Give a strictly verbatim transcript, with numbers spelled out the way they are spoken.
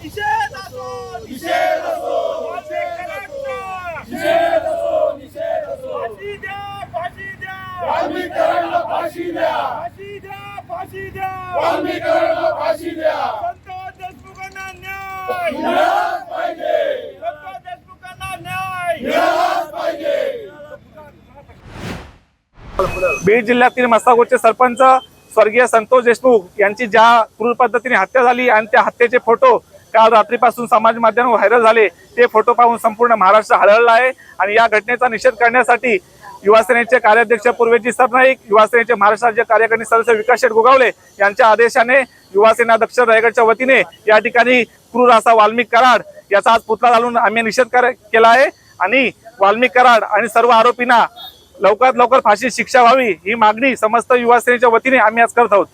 निषेध असो निषेध असो निषेध असो निषेध असो फाशी द्या फाशी द्या वाल्मीकरांना फाशी द्या फाशी द्या फाशी द्या वाल्मीकरांना फाशी द्या संतोष देशमुखांना न्याय मिळालाच पाहिजे संतोष देशमुखांना न्याय मिळालाच पाहिजे। बीड जिल्ह्यातील मस्तापूरचे सरपंच स्वर्गीय संतोष देशमुख यांची ज्या क्रूर पद्धतीने हत्या झाली आणि त्या हत्येचे फोटो काल रात्रीपासून समाज माध्यमावर व्हायरल झाले, ते फोटो पाहून संपूर्ण महाराष्ट्र हळहळला आहे। आणि या घटनेचा निषेध करण्यासाठी युवासेनेचे कार्याध्यक्ष पूर्वेजी सरनाईक, युवासेनेचे महाराष्ट्र राज्य कार्यकारिणी सदस्य विकास शेठ गोगावले यांच्या आदेशाने युवासेना दक्षिण रायगडच्या वतीने या ठिकाणी क्रूर असा वाल्मिक कराड याचा आज पुतळा घालून आम्ही निषेध केला आहे। आणि वाल्मिक कराड आणि सर्व आरोपींना लवकरात लवकर फाशी शिक्षा व्हावी ही मागणी समस्त युवासेनेच्या वतीने आम्ही आज करत आहोत।